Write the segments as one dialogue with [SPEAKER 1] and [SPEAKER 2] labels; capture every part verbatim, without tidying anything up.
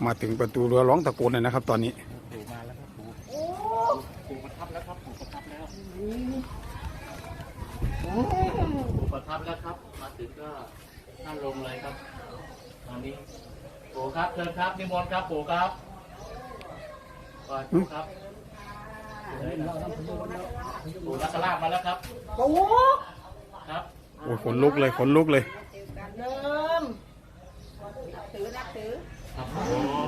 [SPEAKER 1] มาถึงประตูเรือร้องตะโกนเลยนะครับตอนนี้
[SPEAKER 2] ปู่มาแล้วครับปู่ปู่ประทับแล้วครับปู่ประทับแล้วปู่ประทับแล้วครับมาถึงก็นั่งลงเลยครับตอนนี้ปู่ครับเชิญครับนิมนต์ครับปู่ครับปู่ครับปู่นักลาบมาแล้วครับ
[SPEAKER 3] ปู่
[SPEAKER 2] ครับ
[SPEAKER 1] โอ้ยขนลุกเลยขนลุกเลย
[SPEAKER 3] เดิมถือนับถือ
[SPEAKER 2] ครับผม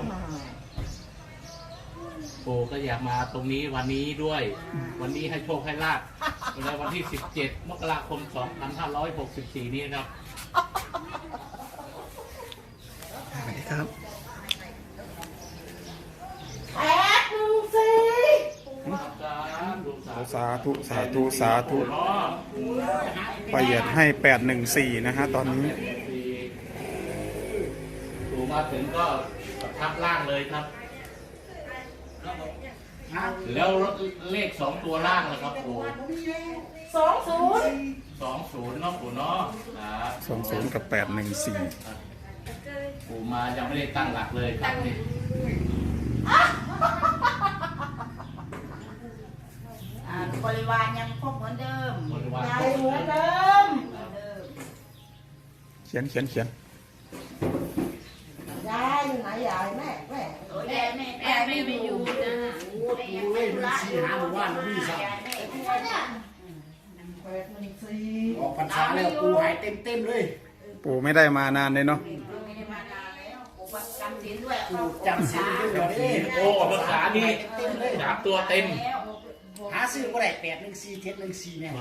[SPEAKER 2] ปู่ก็อยากมาตรงนี้วันนี้ด้วยวันนี้ให้โชคให้ลาภในวันที่สิบเจ็ดมกราคมสองพันห้าร้อยหกสิบสี่นี้ครับ
[SPEAKER 1] ครับ
[SPEAKER 3] แปดหนึ่งสี่
[SPEAKER 1] สาธุสาธุสาธุประหยัดให้แปดหนึ่งสี่นะฮะตอนนี้
[SPEAKER 2] ปู่มาถึงก็ประทับล่างเลยครับแล้วเลขสองตัวล่างนะครับปู่
[SPEAKER 3] สองศูนย์
[SPEAKER 2] สองศูนย์เนาะปู่เนาะ
[SPEAKER 1] สองศูนย์กับแปดหนึ่งสี่
[SPEAKER 2] ปู่มายังไม่ได้ตั้งหลักเลยครับนี่
[SPEAKER 3] บริวารยังครบเหมือนเดิม
[SPEAKER 2] ย
[SPEAKER 3] ายเหมือนเดิม
[SPEAKER 1] เขียนเขียนเขียน
[SPEAKER 3] ยายอยู่ไหนยายแม่แม่แม่แม่แม่ไม่ไปอยู่นะ
[SPEAKER 4] ปูเล่นมีสีหาหมู่บ้านมีสักออกพรรษาแล้วปูหายเต็มเต็มเลย
[SPEAKER 1] ปูไม่ได้มานานเลยเนาะ
[SPEAKER 3] ไม่ได้มานานแล้วปูจำศีลด้วย
[SPEAKER 4] ปูจำศีลด้วย
[SPEAKER 2] โอ้ภาษานี่สามตัวเต็ม
[SPEAKER 4] หาซื้อก็ได้แปดหนึ่งสี่เจ็ดหนึ่งสี่เนี่ย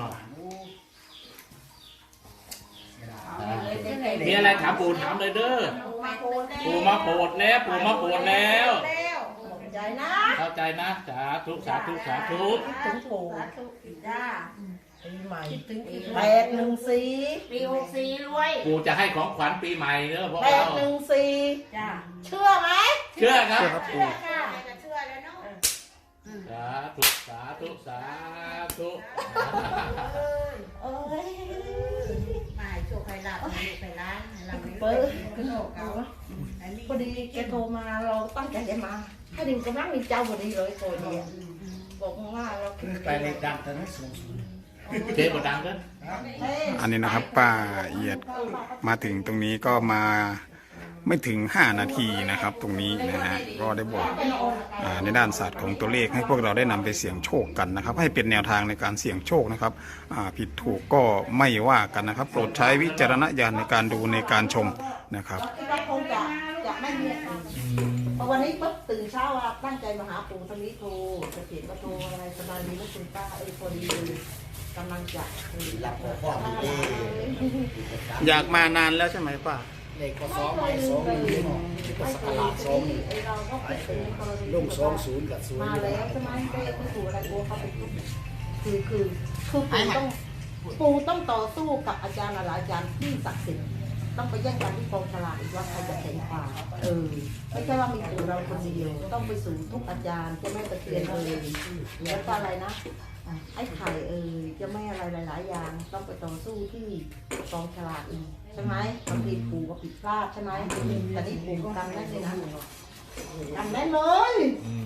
[SPEAKER 2] มีอะไรถามปู่ถามเลยเด้อปู่มาโปรดแล้วปู่มาโปรดแล้ว
[SPEAKER 3] ใจนะ
[SPEAKER 2] เข้าใจนะสาธุสาธุสาธุ
[SPEAKER 3] ถึงปู่จ้าปีใหม่แปดหนึ่งสี่ปีหกสี่รวย
[SPEAKER 2] ปู่จะให้ของขวัญปีใหม่เด้อพ่อ
[SPEAKER 3] แปดหนึ่งสี่จ้าเชื่อไหม
[SPEAKER 2] เชื่อครับ
[SPEAKER 3] เชื่อค่ะเชื่อแล้วเนาะ
[SPEAKER 2] สาธุสาธุสาธุ
[SPEAKER 3] เอ้ยไม่โชคใครหลับไปร้านเราเปิดกระโดดเอาพอดีแกโทรมาเราตั้งใจจะมาถ้าดึงกำลังมีเจ้าพอดีเลยตัวเดียวบอกว่าเรา
[SPEAKER 4] ไปเลยดังแต่ไม่สูงสูง
[SPEAKER 2] เจ๊บดังเด้อ
[SPEAKER 1] อันนี้นะครับป้าเอียดมาถึงตรงนี้ก็มาไม่ถึงห้านาทีนะครับตรงนี้นะฮะก็ได้บอกในด้านศาสตร์ของตัวเลขให้พวกเราได้นำไปเสี่ยงโชคกันนะครับให้เป็นแนวทางในการเสี่ยงโชคนะครับผิดถูกก็ไม่ว่ากันนะครับโปรดใช้วิจารณญาณในการดูในการชมนะครับ
[SPEAKER 3] คงจะจะไม่มีพอวันนี้ปุ๊บตื่นเช้าว่าตั้งใจมาหาปู่ทวีโทรจะเขียนก็โทรอะไรสบายดีนะคุณป้าเออพอดีกำลังจะ
[SPEAKER 4] อยากพ่อ
[SPEAKER 1] อยากมานานแล้วใช่ไหมป้า
[SPEAKER 4] เด็กก็ซ้อมไปซ้อมนี่เนาะก็สกัดซ้อมนี่ลงซ้อมศูนย์กับศูนย์
[SPEAKER 3] มาแล้วใช่ไหมไปที่ปู่อะไรปู่เขาเป็นคือคือคือปู่ต้องปู่ต้องต่อสู้กับอาจารย์หลายอาจารย์ที่ศักดิ์สิทธิ์ต้องไปแย่งกันที่กองฉลากอีกว่าใครจะแข่งกว่าเออไม่ใช่ว่ามีปู่เราคนเดียวต้องไปสู่ทุกอาจารย์จะไม่ตะเกียนเลยแล้วก็อะไรนะไอ้ไข่เออจะไม่อะไรหลายๆอย่างต้องไปต่อสู้ที่กองฉลากอีกใช่ไหมบางทีปู่ก็ผิดพลาดใช่ไหมแต่นี่ปู่ทำได้เลยนะทำได้เลย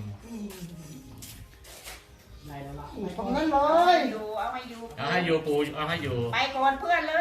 [SPEAKER 3] ทำได้เลยอยู่เอาให้อยู่
[SPEAKER 2] เอาให้อยู่ปู่เอาให้อยู่
[SPEAKER 3] ไปก่อนเพื่อนเลย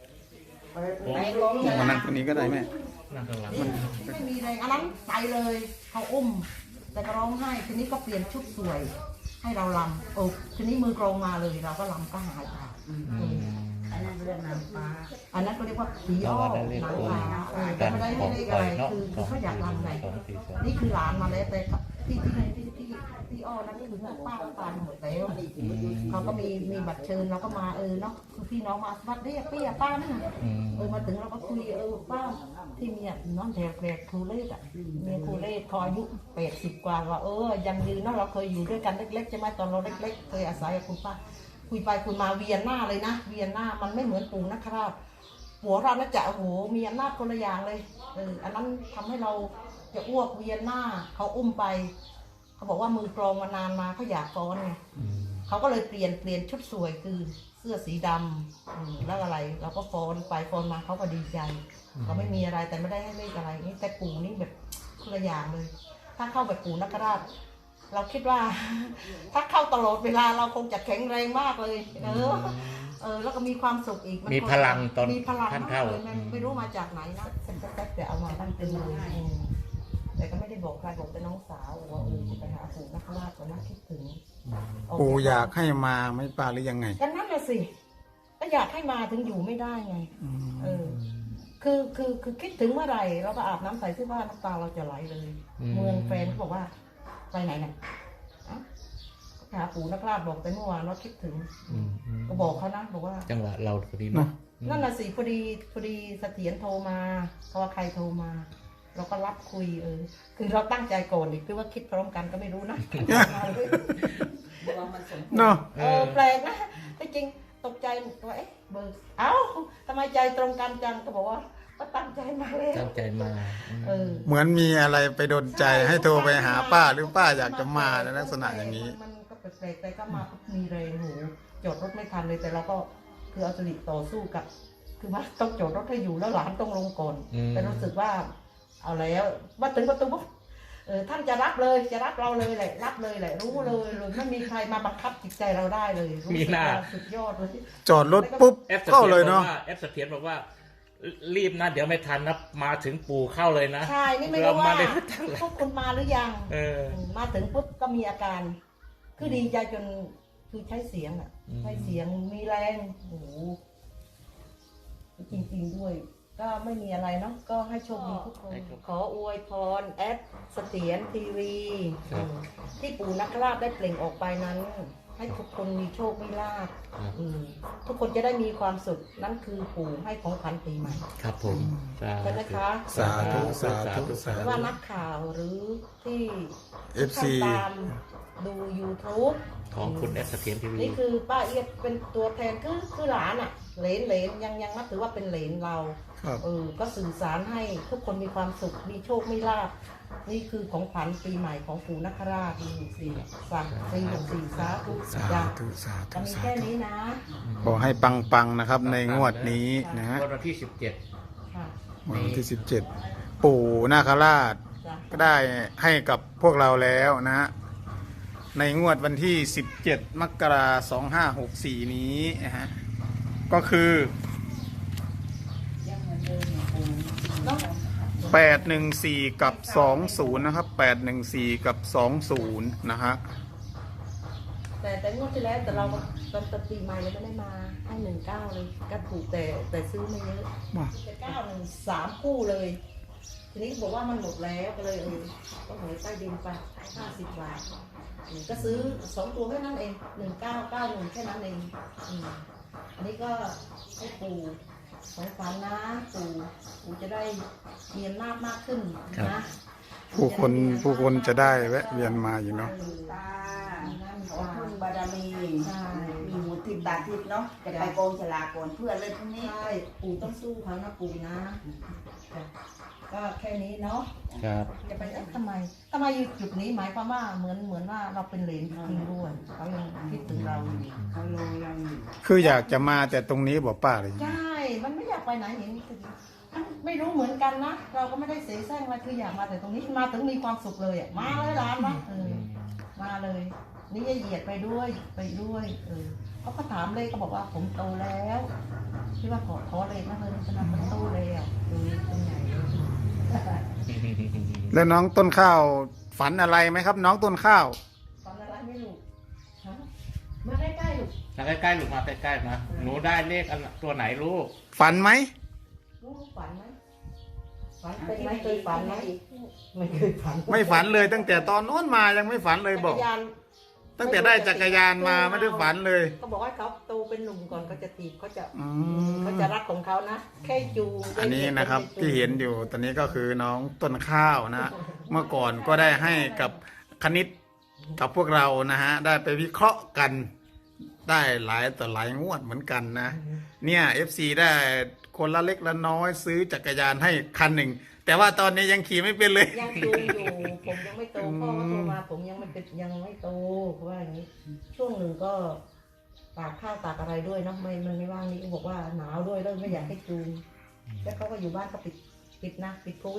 [SPEAKER 1] มานั่งคนนี้ก็ได้แม่
[SPEAKER 2] นั่งข้างหลัง
[SPEAKER 3] ไม่มีอะไรอันนั้นไปเลยเขาอุ้มแต่ก็ร้องไห้ทีนี้ก็เปลี่ยนชุดสวยให้เราลำโอ้ทีนี้มือกรองมาเลยเราก็ลำก็หายไปอันนั้นเรียกนางฟ้าอันนั้นก็เรียกว่าผีอ้อนางฟ้าแต่ไม่ได้ให้เรียกอะไรคือคือเขาอยากลำไงนี่คือหลานมาแล้วแต่ที่ที่ที่ที่ที่อ้อนั่นก็คือป้าตายหมดแล้วเขาก็มีมีบัตรเชิญเราก็มาเออเนาะคือพี่น้องมาวัดเรียกพี่ป้านั่นเออมาถึงเราก็คุยเออป้าที่มีน้องแถวแถวครูเล่อ่ะมีครูเล่คอยอายุแปดสิบกว่าว่าเออยังยืนเนาะเราเคยอยู่ด้วยกันเล็กๆใช่ไหมตอนเราเล็กๆเคยอาศัยกับคุณป้าคุยไปคุยมาเวียนหน้าเลยนะเวียนหน้ามันไม่เหมือนปู่นะครับหัวเราน่าจะโอ้โหมีอำนาจคนละอย่างเลยเอออันนั้นทำให้เราจะอ้วกเวียนหน้าเขาอุ้มไปเขาบอกว่ามือกรองมานานมาเขาอยากฟ้อนไงเขาก็เลยเปลี่ยนเปลี่ยนชุดสวยคือเสื้อสีดำแล้วอะไรเราก็ฟ้อนไปฟ้อนมาเขาก็ดีใจเขาไม่มีอะไรแต่ไม่ได้ให้เลขอะไรนี่แต่ปู่นี่แบบคนละอย่างเลย ถ้าเข้าแบบปู่นคราชเราคิดว่า ถ้าเข้าตลอดเวลาเราคงจะแข็งแรงมากเลย เออ เออ แล้วก็มีความสุขอีกน
[SPEAKER 2] มีพลังตอน
[SPEAKER 3] มีพลัง
[SPEAKER 2] ท่าน
[SPEAKER 3] มาก
[SPEAKER 2] เข้า
[SPEAKER 3] เลยมันไม่รู้มาจากไหนนะเซ็นแป๊บๆแต่เอามาตั้งเป็นเลยอืมแต่ก็ไม่ได้บอกใครบอกแต่น้องสาวว่าเออจะไปหาปู่นคราชก่อนนะคิดถึง
[SPEAKER 1] ปู่อยากให้มาไหม่ป้าหรือยังไง
[SPEAKER 3] ก็นั่นแหละสิก็อยากให้มาถึงอยู่ไม่ได้ไง
[SPEAKER 1] อืม
[SPEAKER 3] เออ คือคือคือคิดถึงเมื่อไหร่เราก็อาบน้ำใส่เสื้อผ้าน้ำตาเราจะไหลเลย
[SPEAKER 2] อืม
[SPEAKER 3] เมืองแฟนเขาบอกว่าไปไหนเนี่ยอ่ะหาปู่นคราชบอกไปเมื่อวานว่าคิดถึง
[SPEAKER 2] อืมอืม
[SPEAKER 3] ก็บอกเขานะบอกว่า
[SPEAKER 2] จังหวะเราพอดีเนาะ
[SPEAKER 3] นั่นน่ะสิพอดีพอดีเสถียรโทรมาเพราะว่าใครโทรมา เราก็รับคุยเออ คือเราตั้งใจก่อนอีกคือว่าคิดพร้อมกันก็ไม่รู้นะ
[SPEAKER 1] เนาะ
[SPEAKER 3] เออแปลกนะที่จริงตกใจว่าเอ๊ะเบอร์เอ้าทำไมใจตรงกันจังก็บอกว่าก็ตั้งใจมาเลย
[SPEAKER 2] ตั้งใจมาอืม
[SPEAKER 3] เออ
[SPEAKER 1] เหมือนมีอะไรไปดลใจให้โทรไปหาป้าหรือป้าอยากจะมาในลักษณะอย่างนี้
[SPEAKER 3] มันก็แปลกๆแต่ก็มามีแรงหูจอดรถไม่ทันเลยแต่เราก็คือเอาสลิดต่อสู้กับ คือว่าต้องจอดรถให้อยู่แล้วหลานต้องลงก่อน
[SPEAKER 2] อืม
[SPEAKER 3] แต่รู้สึกว่า เอาแล้วมาถึงประตูปุ๊บเออท่านจะรับเลยจะรับเราเลยแหละรับเลยแหละรู้เลยเลยไม่มีใครมาบังคับจิตใจเราได้เลยรู้
[SPEAKER 2] มี
[SPEAKER 3] สึก
[SPEAKER 2] หน้า
[SPEAKER 3] ว่าสุดยอดเลย
[SPEAKER 1] จอดรถปุ๊บ
[SPEAKER 2] แอปเส
[SPEAKER 1] เข้า
[SPEAKER 2] ถียร
[SPEAKER 1] เลย
[SPEAKER 2] บอก
[SPEAKER 1] เนาะ
[SPEAKER 2] ว่าแอปเสถียรบอกว่า รีบนะเดี๋ยวไม่ทันนะมาถึงปู่เข้าเลยนะ
[SPEAKER 3] ใช่นี่ไม่รู้ว่า
[SPEAKER 2] เได้ไม่ทันเลย
[SPEAKER 3] พวกคุณมาหรือยัง
[SPEAKER 2] เออ
[SPEAKER 3] มาถึงปุ๊บก็มีอาการ คือดีใจจนคือใช้เสียงอ่ะ
[SPEAKER 2] อืม
[SPEAKER 3] ใช้เสียงมีแรงโอ้โหจริงๆด้วย ก็ไม่มีอะไรเนาะก็ให้โชคดีทุกคน ขออวยพรแอดเสถียรทีวีที่ปู่นักราชได้เปล่งออกไปนั้น ให้ทุกคนมีโชคมีลาภ
[SPEAKER 2] ครับ
[SPEAKER 3] อืมทุกคนจะได้มีความสุขนั่นคือปู่ให้ของขวัญปีใหม่
[SPEAKER 2] ครับผมสา
[SPEAKER 3] ใช่ไหม
[SPEAKER 2] ธุ
[SPEAKER 3] คะ
[SPEAKER 1] สาธุสาธุสา
[SPEAKER 3] ไม่
[SPEAKER 1] ธุ
[SPEAKER 3] ว่านักข่าวหรือที่
[SPEAKER 1] เอฟซี
[SPEAKER 3] ท่านตามดู YouTube
[SPEAKER 2] ของคุณแอปเสถียรทีวี
[SPEAKER 3] นี่คือป้าเอียดเป็นตัวแทนคือคือหลานอ่ะเหลนเหลนยังยังนับถือว่าเป็นเหลนเรา
[SPEAKER 1] ครับ
[SPEAKER 3] เออก็สื่อสารให้ทุกคนมีความสุขมีโชคมีลาภนี่คือของขวัญปีใหม่ของปู่นคราชปีหกสี่สามปีหกสี่สาธุ
[SPEAKER 1] สา
[SPEAKER 3] จ้ะ
[SPEAKER 1] ธุสา
[SPEAKER 3] ก็
[SPEAKER 1] ธุ
[SPEAKER 3] มี
[SPEAKER 1] สา
[SPEAKER 3] แค่
[SPEAKER 1] ธุ
[SPEAKER 3] นี้นะ
[SPEAKER 1] ขอให้ปังๆนะครับในงวดนี้นะฮะ
[SPEAKER 2] วันที่สิบเจ็ด
[SPEAKER 3] ค่ะ
[SPEAKER 1] วันที่สิบเจ็ดปู่นาคราช
[SPEAKER 3] จ้ะ
[SPEAKER 1] ก็ได้ให้กับพวกเราแล้วนะฮะในงวดวันที่สิบเจ็ดมกราคมสองห้าหกสี่นี้นะฮะก็คือ
[SPEAKER 3] เนาะ
[SPEAKER 1] แปดหนึ่งสี่กับสองศูนย์นะครับแปดหนึ่งสี่กับสองศูนย์นะฮะ
[SPEAKER 3] แต่แต่งวดที่แล้วแต่เราตอนตอนปีใหม่เราไม่ได้มาให้หนึ่งเก้าเลยก็ถูกแต่แต่ซื้อไม่เยอะแต่เก้าหนึ่งสามคู่เลย ทีนี้บอกว่ามันหมดแล้วก็เลยเออก็หวยใต้ดินไปห้าสิบบาทอืมก็ซื้อสองตัวแค่นั้นเองหนึ่งเก้าเก้าหนึ่งแค่นั้นเองอืมอันนี้ก็ให้ปู่ของฝันนะปู่ปู่จะได้มีอำนาจมากขึ้นนะ
[SPEAKER 1] ผู้คนผู้คนจะได้แวะเวียนมาอยู่เนาะ
[SPEAKER 5] ตาขอพึ่งบารมี มีหูทิพย์ตาทิพย์เนาะ จะไปกองฉลากก่อนเพื่อนเลยพรุ่งนี้
[SPEAKER 3] ใช่ปู่ต้องสู้เขานะปู่นะจ้ะก็แค่นี้เนาะ
[SPEAKER 2] ครับ
[SPEAKER 3] จะไปเอ๊ะทำไมทำไมอยู่จุดนี้หมายความว่าเหมือนเหมือนว่าเราเป็นเหลนจริงๆด้วยเขายังคิดถึงเราอยู่
[SPEAKER 5] เขาลงเราอยู่
[SPEAKER 1] คืออยากจะมาแต่ตรงนี้บอกป้าเลย
[SPEAKER 3] ใช่ มันไม่อยากไปไหนเห็นคือมันไม่รู้เหมือนกันนะ เราก็ไม่ได้เสียแซงอะไรคืออยากมาแต่ตรงนี้มาถึงมีความสุขเลยอ่ะ มาเลยร้านนะเออ มาเลย นี่จะเหยียดไปด้วย ไปด้วย เออเขาก็ถามเลยเขาบอกว่าผมโตแล้วที่ว่าขอขอเลยนะเฮ้ยฉันมันโตแล้วเออเป็นไง
[SPEAKER 1] แล้วน้องต้นข้าวฝันอะไรไหมครับ น้องต้นข้าว
[SPEAKER 3] ตอนอะไรไม่รู้ฮะมาใกล้ๆลูก
[SPEAKER 2] มาใกล้ๆลูกมาใกล้ๆมาหนูได้เลขอันตัวไหนลูก
[SPEAKER 1] ฝันไหม
[SPEAKER 3] ลูกฝันไหมฝันเป็นไหมเคยฝันไหมไม่เคยฝัน
[SPEAKER 1] ไม่ฝันเลยตั้งแต่ตอนโน้นมายังไม่ฝันเลยบอก
[SPEAKER 3] จักรยาน
[SPEAKER 1] ตั้งแต่ได้จักรยานมาไม่ได้ฝันเลย
[SPEAKER 3] เขาบอกว่าเขาโตเป็นหนุ่มก่อนเขาจะตีบเขาจะ
[SPEAKER 1] อื
[SPEAKER 3] เขา
[SPEAKER 1] ม
[SPEAKER 3] จะรักของเขานะแค่จูง
[SPEAKER 1] อันนี้นะครับ
[SPEAKER 3] จูง
[SPEAKER 1] ที่เห็นอยู่ตอนนี้ก็คือน้องต้นข้าวนะ เมื่อก่อนก็ได้ให้กับคณิตกับพวกเรานะฮะได้ไปวิเคราะห์กัน ได้หลายต่อหลายงวดเหมือนกันนะ เนี่ย เอฟ ซี ได้คนละเล็กละน้อยซื้อจักรยานให้คันหนึ่ง แต่ว่าตอนนี้ยังขี่ไม่เป็นเลย
[SPEAKER 3] ยังจูงอยู่ผมยังไม่โตพ่อก็โทรมาผมยังไม่เป็นยังไม่โตเขาว่าอย่างนี้ ช่วงหนึ่งก็ตากข้าวตากอะไรด้วยเนาะไม่มันไม่ว่างนี่ก็บอกว่าหนาวด้วยแล้วไม่อยากให้จูงแล้วเขาก็อยู่บ้านก็ปิดปิดนะปิดโควิด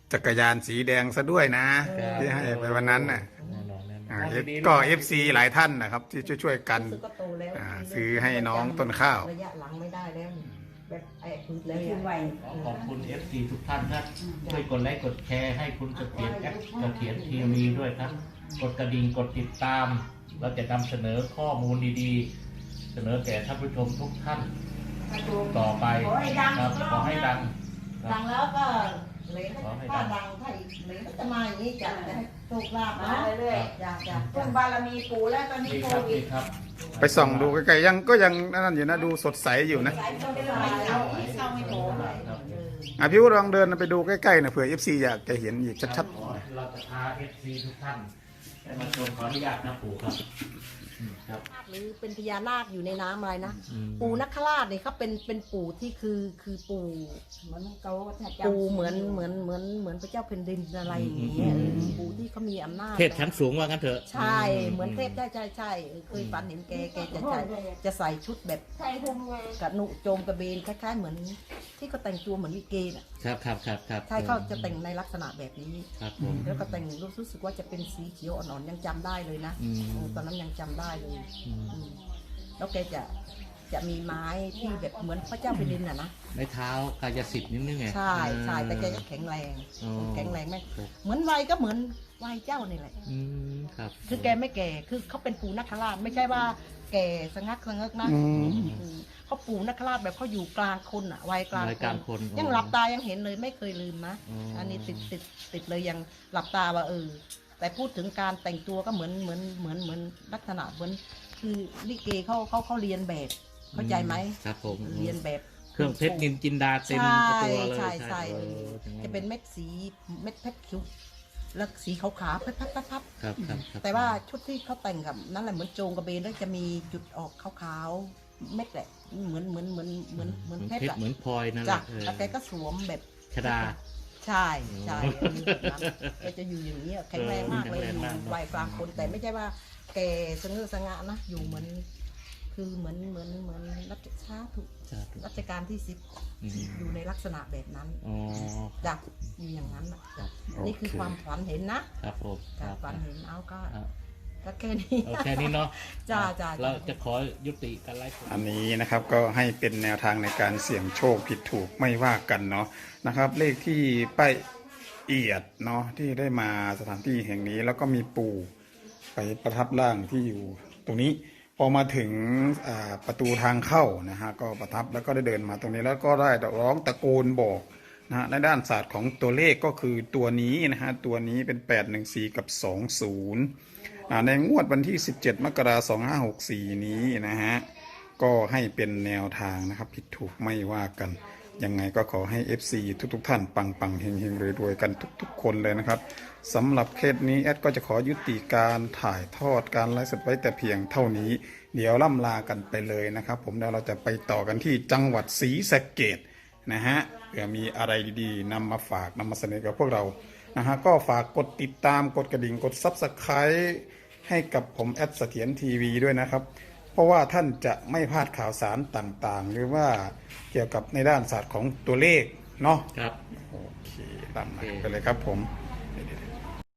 [SPEAKER 1] จักรยานสีแดงซะด้วยนะที่ให้ไปวันนั้นน่ะ
[SPEAKER 2] แน่นอนแน่นอน
[SPEAKER 1] อ่า
[SPEAKER 2] เอา
[SPEAKER 1] เอฟ
[SPEAKER 2] ดีๆ
[SPEAKER 1] ก็
[SPEAKER 2] นะ
[SPEAKER 1] เอฟซีหลายท่านนะครับที่ช่วยๆกัน
[SPEAKER 3] รู้สึกก็โตแล้ว
[SPEAKER 1] อ่าซื้อให้น้องต้นข้าว
[SPEAKER 3] ระยะหลังไม่ได้แล้วแบบไอ้พืช
[SPEAKER 5] แล้
[SPEAKER 3] แล้ว ว
[SPEAKER 5] ขึ้นไหว
[SPEAKER 2] ขอขอบคุณ เอฟ ซี ทุกท่านครับช่วยกดไลค์กดแชร์ให้คุณเสถียรแอปเสถียรทีวีด้วยครับ กดกระดิ่งกดติดตาม เราจะนำเสนอข้อมูลดีๆ เสนอแก่ท่านผู้ชมทุกท่านต่อไป
[SPEAKER 5] ขอให้ดัง
[SPEAKER 2] ครับขอให้ดังค
[SPEAKER 3] ดั
[SPEAKER 2] รับ
[SPEAKER 3] งแล้วก็เหลน
[SPEAKER 2] ขอให้ดั
[SPEAKER 3] ถ้าง ดังถ้าอีกเหลนก็จะมาอย่างนี้จะจะให้โชคลาภ
[SPEAKER 5] มา
[SPEAKER 3] นะ
[SPEAKER 5] เรื่อย
[SPEAKER 3] อยากจะ
[SPEAKER 5] ๆพึ่งบารมีปู่แล้วตอนนี้
[SPEAKER 2] นี่
[SPEAKER 5] โค
[SPEAKER 2] ครับ
[SPEAKER 5] วิด
[SPEAKER 2] นี่ครับ
[SPEAKER 1] ไปส่องดูใกล้ๆยังก็ยังนั่นอยู่นะดูสดใสอยู่นะ
[SPEAKER 5] สายคนเดินไม่เข้าไม่เข้าไม่โผล่
[SPEAKER 2] ครับ
[SPEAKER 1] อ่ะพี่วุฒิลองเดินไปดูใกล้ๆนะเผื่อเอฟซีอยากจะเห็นอีกชัด
[SPEAKER 2] ขอเราจะพา เอฟ ซี ทุกท่านได้มาชมขออนุญาตนะปู่ครับอืมครับ
[SPEAKER 3] หรือเป็นพญานาคอยู่ในน้ำอะไรนะ
[SPEAKER 2] อืม
[SPEAKER 3] ปู่นักขราชเนี่ยเขาเป็นเป็นปู่ที่คือคือปู่
[SPEAKER 5] เหมือนเขาถ้าจำ
[SPEAKER 3] ปู่เหมือนเหมือนเหมือนเหมือนพระเจ้าแผ่นดินอะไรอย่างเงี้ย
[SPEAKER 2] อืม
[SPEAKER 3] เออปู่ที่เขามีอำนาจ
[SPEAKER 2] เทพชั้นสูงว่างั้นเถอะ
[SPEAKER 3] ใช่เหมือนเทพใช่ใช่ใช่เออเคยฝันเห็นแกแกจะใส่จะใส่ชุดแบบ
[SPEAKER 5] ใช่ทุ่มไง
[SPEAKER 3] กระหนุโจมกระเบนคล้ายๆเหมือนที่เขาแต่งตัวเหมือนลิเกน่ะ
[SPEAKER 2] ครับครับครับครับ
[SPEAKER 3] ใช่เขาจะแต่งในลักษณะแบบนี้
[SPEAKER 2] ครับผม
[SPEAKER 3] แล้วก็แต่งรู้สึกว่าจะเป็นสีเขียวอ่อนๆยังจำได้เลยนะ
[SPEAKER 2] อืม
[SPEAKER 3] เออตอนนั้นยังจำได้เลย
[SPEAKER 2] อืม
[SPEAKER 3] อืมแล้วแกจะจะมีไม้ที่แบบเหมือนพระเจ้าแผ่นดินน่ะนะ
[SPEAKER 2] ไม้เท้ากายสิทธิ์นิดนึงไง
[SPEAKER 3] ใช่ใช่แต่แกก็แข็งแรง
[SPEAKER 2] อ๋อ
[SPEAKER 3] แข็งแรงไหม
[SPEAKER 2] ครับ
[SPEAKER 3] เหมือนวัยก็เหมือนวัยเจ้านี่แหละ
[SPEAKER 2] อืมครับ
[SPEAKER 3] คือแกไม่แก่คือเขาเป็นปู่นักขราชไม่ใช่ว่าแก่สงักสงักนะ
[SPEAKER 1] ๆอืม
[SPEAKER 3] อืมเขาปู่นักขราชแบบเขาอยู่กลางคนอ่ะวัยกลาง
[SPEAKER 2] รายการคน
[SPEAKER 3] ยังหลับตายังเห็นเลยไม่เคยลืมนะ
[SPEAKER 2] อ๋ออั
[SPEAKER 3] อันนี้ติดติดติดเลยยังหลับตาว่าเออ แต่พูดถึงการแต่งตัวก็เหมือนเหมือนเหมือนเหมือนลักษณะเหมือนคือลิเกเขาเขาเขาเรียนแบบ เข้าใจไหม
[SPEAKER 2] ครับผม
[SPEAKER 3] เรียนแบบ
[SPEAKER 2] เครื่องเพชรนินจินดาเต็ม
[SPEAKER 3] ใช่
[SPEAKER 2] ตัวเลย
[SPEAKER 3] ใช่ใช่
[SPEAKER 2] เอ
[SPEAKER 3] เอ
[SPEAKER 2] อ
[SPEAKER 3] อจะเป็นเม็ดสีเม็ดเพชรคิ้วแล้วสีขาวๆพับพับพับพับ
[SPEAKER 2] ครับครับครับ
[SPEAKER 3] แต่ว่าชุดที่เขาแต่งกับนั่นแหละเหมือนโจงกระเบนแล้วจะมีจุดออกขาวๆเม็ดแหละเหมือนเหมือนเหมือนเหมือนเหมือน
[SPEAKER 2] เห
[SPEAKER 3] เพ
[SPEAKER 2] มือน
[SPEAKER 3] ช
[SPEAKER 2] เพ
[SPEAKER 3] ร
[SPEAKER 2] ชร
[SPEAKER 3] อะ
[SPEAKER 2] เหมือนพลอยนั่นแห
[SPEAKER 3] จ้ะ
[SPEAKER 2] ละเออ
[SPEAKER 3] แล้วแกก็สวมแบบ
[SPEAKER 2] ชดา
[SPEAKER 3] ใช่ใช่
[SPEAKER 2] โอ้
[SPEAKER 3] คือแบบนั้นแกจะอยู่อย่างนี้ยแข็งแรงมากเลย
[SPEAKER 2] แข็
[SPEAKER 3] อง
[SPEAKER 2] แรง
[SPEAKER 3] ยู่
[SPEAKER 2] มากเนอะ
[SPEAKER 3] วัยกลางคนแต่ไม่ใช่ว่าแกสงือสงะนะอยู่เหมือน คือเหมือนเหมือนเหมือนรัชชาถูก
[SPEAKER 2] สาธุ
[SPEAKER 3] รัชกาลที่สิบ
[SPEAKER 2] อืม
[SPEAKER 3] อยู่ในลักษณะแบบนั้น
[SPEAKER 2] อ๋อ
[SPEAKER 3] จ้ะอยู่อย่างนั้นน่ะจ้ะ
[SPEAKER 1] โอเค
[SPEAKER 3] นี่คือความฝันเห็นนะครับ
[SPEAKER 2] ผมค
[SPEAKER 3] จ้ะ
[SPEAKER 2] รับ
[SPEAKER 3] ฝันเห็นเอาก็
[SPEAKER 2] ครับ
[SPEAKER 3] ก็แค่นี้
[SPEAKER 2] เอาแค่นี้เนาะ
[SPEAKER 3] จ้าจ้า
[SPEAKER 2] เราจะขอยุติการไลฟ์สด
[SPEAKER 1] อันนี้นะครับก็ให้เป็นแนวทางในการเสี่ยงโชคผิดถูกไม่ว่ากันเนาะนะครับ เลขที่ป้ายเอียดเนาะที่ได้มาสถานที่แห่งนี้แล้วก็มีปู่ไปประทับร่างที่อยู่ตรงนี้พอมาถึงอ่าประตูทางเข้านะฮะก็ประทับแล้วก็ได้เดินมาตรงนี้แล้วก็ได้ร้องตะโกนบอกนะฮะในด้านศาสตร์ของตัวเลขก็คือตัวนี้นะฮะตัวนี้เป็นแปดหนึ่งสี่กับสองศูนย์ อ่าในงวดวันที่ สิบเจ็ด มกราคม สองห้าหกสี่ นี้นะฮะ ก็ให้เป็นแนวทางนะครับ ผิดถูกไม่ว่ากัน ยังไงก็ขอให้ เอฟ ซี ทุกๆ ท่านปังปังๆเฮงเฮงรวยๆ กันทุกๆ คนเลยนะครับสำหรับเคสนี้แอดก็จะขอยุติการถ่ายทอดการไลฟ์สดไว้แต่เพียงเท่านี้ เดี๋ยวล่ำลากันไปเลยนะครับ ผมเดี๋ยวเราจะไปต่อกันที่จังหวัดศรีสะเกษนะฮะเผื่อมีอะไรดีๆนำมาฝากนำมาเสนอกับพวกเรานะฮะก็ฝากกดติดตามกดกระดิ่งกด ซับสไครบ์ ให้กับผมแอดเสถียรทีวีด้วยนะครับ เพราะว่าท่านจะไม่พลาดข่าวสารต่างๆ หรือว่าเกี่ยวกับในด้านศาสตร์ของตัวเลขเนาะ
[SPEAKER 2] ครับ
[SPEAKER 1] โอเคตามนั้นไปเลยครับผมเดี๋ยวๆ